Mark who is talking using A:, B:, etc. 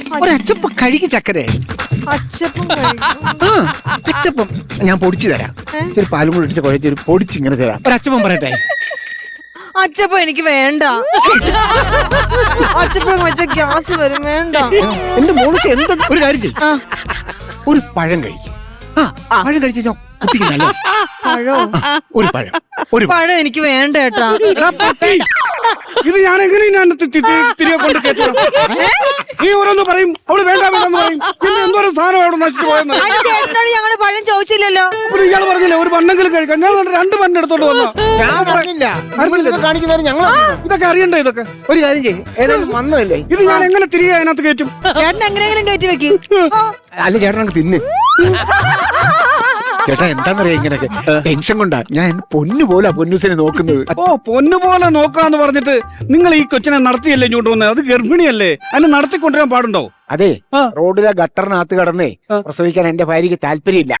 A: ഒരു അച്ചപ്പം കഴിക്ക് ചക്കരെ.
B: അച്ചപ്പം കഴിക്കും.
A: ആ അച്ചപ്പം ഞാൻ പൊടിച്ചു തരാം. ഇച്ചിരി പാലും കൂടി ഇട്ടിട്ട് കുഴച്ചൊരു പൊടിച്ച് ഇങ്ങനെ തരാം. ഒരു അച്ചപ്പം പറയട്ടെ.
B: അച്ചപ്പം എനിക്ക് വേണ്ട. അച്ചപ്പം വെച്ച ഗ്യാസ് വരും. വേണ്ട.
A: എന്റെ മോളിച്ച് എന്ത് ഒരു കാര്യം ചെയ്യും, ഒരു പഴം കഴിക്കും. പഴം കഴിച്ച് കഴിഞ്ഞാൽ കുട്ടിക്ക് നല്ല
B: പഴോ?
A: ഒരു പഴം, ഒരു
B: പഴം എനിക്ക് വേണ്ട ഏട്ടാ.
C: ഇത് ഞാൻ എങ്ങനെ തിരികെ കൊണ്ട് കേട്ടോ? നീ ഓരോന്ന് പറയും, അവള് വേണ്ട വേണ്ടെന്ന് പറയും. പിന്നെ എന്തോരം സാധനം അവിടെ നശിച്ചു പോയെന്ന്.
B: ചേട്ടനോട് ഞങ്ങള് പഴം ചോദിച്ചില്ലല്ലോ.
C: അപ്പൊ ഇയാൾ പറഞ്ഞില്ലേ ഒരു പണ്ണെങ്കിലും കഴിക്കാം. ഞാൻ 2 പണ്ണ് എടുത്തോണ്ട് വന്നോ.
A: ഞാൻ പറഞ്ഞില്ല. കാണിക്കുന്നവര് ഞങ്ങൾ
C: ഇതൊക്കെ അറിയണ്ടേ? ഇതൊക്കെ
A: ഒരു കാര്യം ചെയ്യും, ഏതായാലും വന്നതല്ലേ.
C: ഇത് ഞാൻ എങ്ങനെ തിരികെ അതിനകത്ത് കയറ്റും?
B: ചേട്ടൻ എങ്ങനെയെങ്കിലും കയറ്റി വെക്കും.
A: അല്ല ചേട്ടൻ അങ്ങ് തിന്ന്. ചേട്ടാ എന്താന്നറിയാ, ഇങ്ങനൊക്കെ ടെൻഷൻ കൊണ്ടാ ഞാൻ പൊന്നു പോലെ പൊന്നൂസിനെ നോക്കുന്നത്.
C: ഓ പൊന്നു പോലെ നോക്കാന്ന് പറഞ്ഞിട്ട് നിങ്ങൾ ഈ കൊച്ചിനെ നടത്തിയല്ലേ ഇങ്ങോട്ട് വന്നത്? അത് ഗർഭിണിയല്ലേ, അതിനെ നടത്തിക്കൊണ്ടുവരാൻ പാടുണ്ടോ?
A: അതെ, റോഡിലെ ഗട്ടറിനകത്ത് കടന്നേ പ്രസവിക്കാൻ എന്റെ ഭാര്യക്ക് താല്പര്യമില്ല.